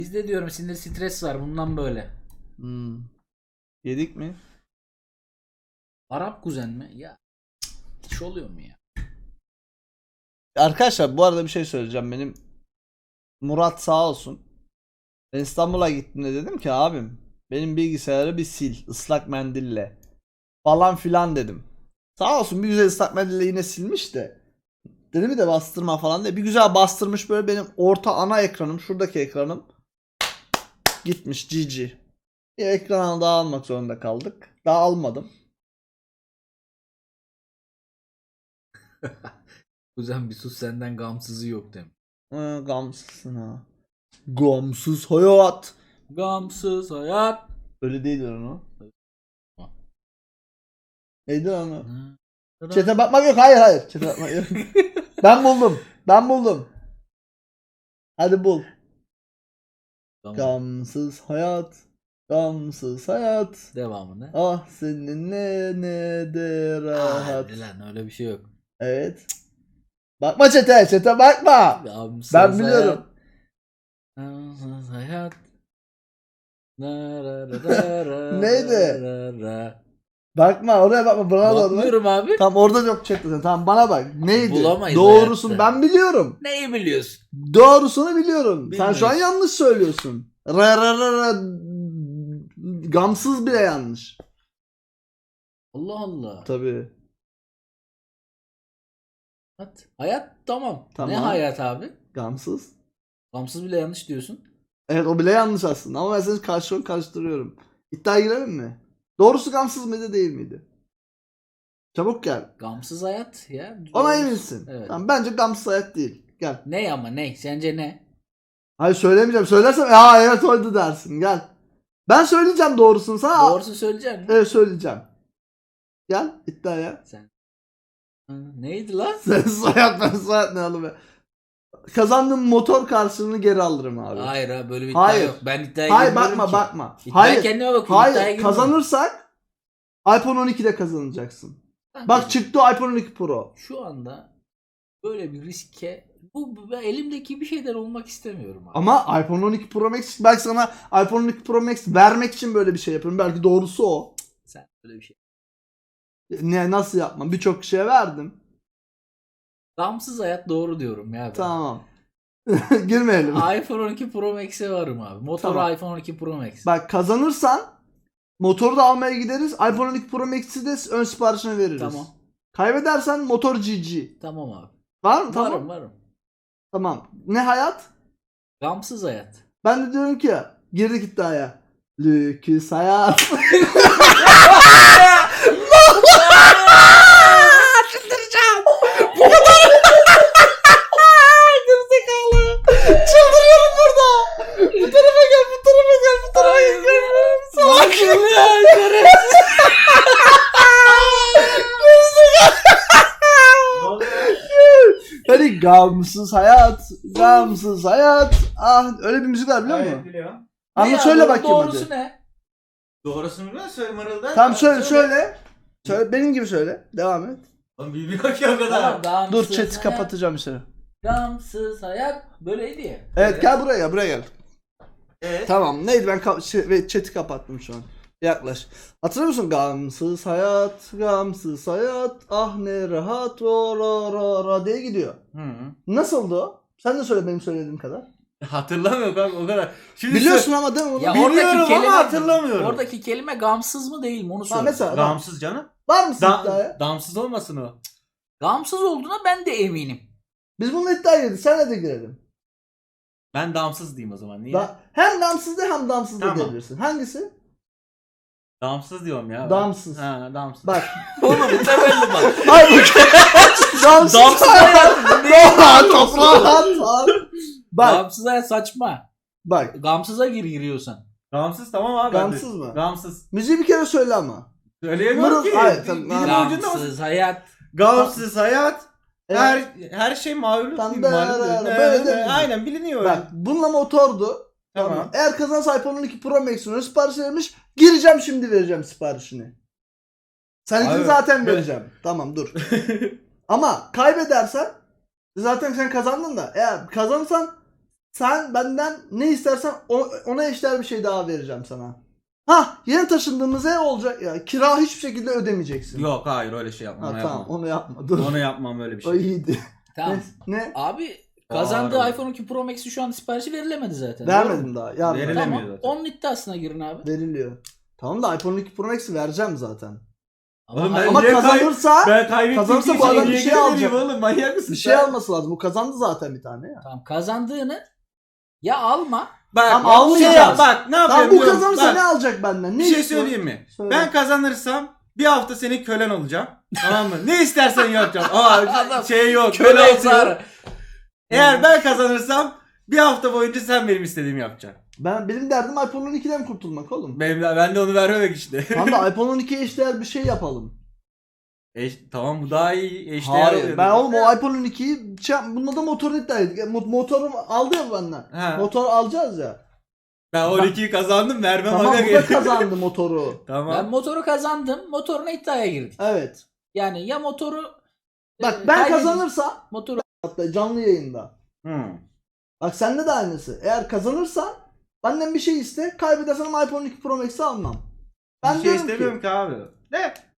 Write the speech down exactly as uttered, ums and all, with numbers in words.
Bizde diyorum sinir stres var bundan böyle. Hmm. Yedik mi? Arap kuzen mi? Ya hiç oluyor mu ya? Arkadaşlar bu arada bir şey söyleyeceğim. Benim Murat sağ olsun. Ben İstanbul'a gittiğimde dedim ki abim benim bilgisayarı bir sil ıslak mendille falan filan dedim. Sağ olsun bir güzel ıslak mendille yine silmiş de. Dedim de bastırma falan diye. Bir güzel bastırmış, böyle benim orta ana ekranım, şuradaki ekranım gitmiş G G. Bir ekranı daha almak zorunda kaldık. Daha almadım. Kuzen bir sus senden gamsızı yok demiş. Ee, gamsızsın ha. Gamsız hayat. Gamsız hayat. Öyle değildir onu. Neydi onu? Hı. Çete bakmak yok. Hayır hayır. Çete bakmak yok. Ben buldum. Ben buldum. Hadi bul. Tamam. Gamsız hayat. Gamsız hayat. Devamını. Ah seninle ne de rahat. Hadi lan öyle bir şey yok. Evet. Bakma çete. Çete bakma. Gamsız Ben biliyorum. Hayat. Gamsız hayat. Na, ra, ra, ra, ra, Neydi? ra, ra. Bakma oraya bakma. Bana da Bakmıyorum abi. Tam orada yok chatte. Tamam bana bak. Neydi? Bulamayız Doğrusunu hayatta. ben biliyorum. Neyi biliyorsun? Doğrusunu biliyorum. Sen şu an Bilmiyorsun. yanlış söylüyorsun. Ra ra ra ra. Gamsız bile yanlış. Allah Allah. Tabii. Hayat. Hayat tamam. Tamam. Ne hayat abi? Gamsız. Gamsız bile yanlış diyorsun. Evet o bile yanlış aslında ama ben seni karşı karıştırıyorum. İddiaya girelim mi? Doğrusu gamsız mıydı değil miydi? Çabuk gel. Gamsız hayat ya. Ona Doğrusu. eminsin. Evet. Tamam, bence gamsız hayat değil. Gel. Ne ama ne? Sence ne? Hayır söylemeyeceğim. Söylersem ya evet oydu dersin. Gel. Ben söyleyeceğim doğrusunu sana. Doğrusu söyleyeceksin mi? Evet söyleyeceğim. Gel iddiaya. Sen. Ha, neydi lan? Sen hayat ben hayat ne oğlum be. Kazandığım motor karşılığını geri alırım abi. Hayır ha böyle bir iddia Hayır. yok. Ben iddiaya Hayır girmiyorum bakma ki. bakma. İddiaya Hayır. kendime bakıyorum. Hayır İddiaya girmiyorum. kazanırsak iPhone on ikide kazanacaksın. Kankacığım, Bak çıktı iPhone on iki Pro. şu anda böyle bir riske bu, bu ben elimdeki bir şeyden olmak istemiyorum abi. Ama iPhone on iki Pro Max belki sana iPhone on iki Pro Max vermek için böyle bir şey yapıyorum. Belki doğrusu o. Sen böyle bir şey. Ne nasıl yapmam? Birçok kişiye verdim. Gamsız hayat doğru diyorum ya ben. Tamam. Girmeyelim. iPhone on iki Pro Max'e varım abi. Motoru Tamam. iPhone on iki Pro Max. Bak kazanırsan motoru da almaya gideriz. iPhone on iki Pro Max'i de ön siparişine veririz. Tamam. Kaybedersen motor G G. Tamam abi. Var mı? Tamam. Varım varım. Tamam. Ne hayat? Gamsız hayat. Ben de diyorum ki girdik iddiaya. Lüküs hayat. Çıldıracağım. Bu kadar. Gerizekalı. Çıldırıyorum burada. Bu tarafa gel, bu tarafa gel, bu tarafa gel. Salak. Hani gamsız hayat, gamsız hayat. Ah öyle bir müzik var biliyor musun? Evet biliyorum. Anla Ne ya, söyle bunun bakayım doğrusu hadi. ne? Doğrusunu biliyor musun? Söyle mırıldan. Tamam söyle söyle. Söyle benim gibi söyle. Devam et. Oğlum bilmiyor ki o kadar. Tamam, gamsız Dur chat'i hayat, kapatacağım seni. Gamsız hayat böyleydi ya. Evet gel buraya gel buraya gel. Evet. Tamam neydi ben ka- şey, ve chat'i kapattım şu an. Yaklaş. Hatırlıyor musun? Gamsız hayat, gamsız hayat, ah ne rahat, ro ro ro ro diye gidiyor. Hı -hı. Nasıldı o? Sen de söyle benim söylediğim kadar. Hatırlamıyorum kanka o kadar. Şimdi Biliyorsun ama değil mi bunu? Ya Biliyorum oradaki ama kelime hatırlamıyorum. Oradaki kelime gamsız mı değil mi onu Ha, söyle. mesela Damsız canım. var mısın Dam, iddiaya? damsız olmasın o. Gamsız olduğuna ben de eminim. Biz bununla iddiaya girdik. Senle de girelim. Ben damsız diyeyim o zaman. Niye? Da hem damsız de hem damsız da Tamam. diyebilirsin. Hangisi? Damsız diyorum ya. Damsız. Ha damsız. Bak. Oğlum temelli bak. Ay bu damsız. Damsız hayat. Toprağa toprağa at. Bak. Gamsız hayat saçma. Bak. Gamsıza gir giriyorsan. Damsız tamam abi. ben de- Gamsız mı? Gamsız. Müziği bir kere söyle ama. Söyleyemiyorum Mırıl- ki. Hayır, tamam, Dilimin tamam. ucunda mısın? Gamsız hayat. Gamsız hayat. Evet. Her her şey malum. Tam değil, da- malum değil. böyle Evet, de- aynen biliniyor. Bak bununla motordu. Tamam. Tamam. Eğer kazanırsa iPhone on iki Pro Max'in ön sipariş vermiş. Gireceğim şimdi vereceğim siparişini. Seninkini Abi, zaten ben- vereceğim. Tamam dur. Ama kaybedersen zaten sen kazandın da eğer kazanırsan Sen benden ne istersen o- ona eşdeğer bir şey daha vereceğim sana. Ha, yeni taşındığımız ev olacak ya. Kira hiçbir şekilde ödemeyeceksin. Yok hayır öyle şey yapmam. Ha, onu tamam yapmam. onu yapma. Dur. Onu yapmam öyle bir O şey. iyiydi. Tamam. Ne? ne? Abi kazandığı Ağır. iPhone on iki Pro Max'i şu an siparişi verilemedi zaten. Doğru Vermedim mu? daha. Yarın Verilemiyor Tamam. zaten. Onun iddiasına girin abi. veriliyor. Tamam da iPhone on iki Pro Max'i vereceğim zaten. Oğlum hayır, ben- Ama niye kay- kazanırsa Ben kaybettiğim Kazanırsa için bu adam niye bir şey geri alacak. vereyim oğlum manyak mısın bir şey sen? alması lazım. Bu kazandı zaten bir tane ya. tamam, kazandığını ya alma. Bak Tamam, ya, almayacağız. şey yap, bak ne yapıyorum Tamam bu biliyor musun? kazanırsa Bak, ne alacak benden? Ne bir şey istiyor? söyleyeyim mi? Söyle. Ben kazanırsam bir hafta senin kölen olacağım. Tamam mı? Ne istersen yapacağım. Ama Adam şey yok. Köle Köle olsa. Eğer ben kazanırsam bir hafta boyunca sen benim istediğimi yapacaksın. Ben benim derdim iPhone on ikiden kurtulmak oğlum. Benim, ben de onu vermemek işte. Tamam da iPhone on ikiye eşdeğer bir şey yapalım. Eş, tamam bu daha iyi eşdeğer Hayır oluyor. ben oğlum o iPhone on ikiyi şey, bununla da motor iddia ettik. Mo- Motoru aldı ya benden. Ha. Motor alacağız ya. Ben on ikiyi kazandım vermem. Tamam aga bu da geri. kazandı motoru. Tamam. Ben motoru kazandım. Motoruna iddiaya girdik. Evet. Yani ya motoru Bak e, ben kaybedeceğiz, kazanırsam motoru hatta canlı yayında. Hmm. Bak sende de aynısı. Eğer kazanırsan benden bir şey iste. Kaybedersen ama iPhone on iki Pro Max'i almam. Ben bir şey diyorum istemiyorum ki ki abi. Ne?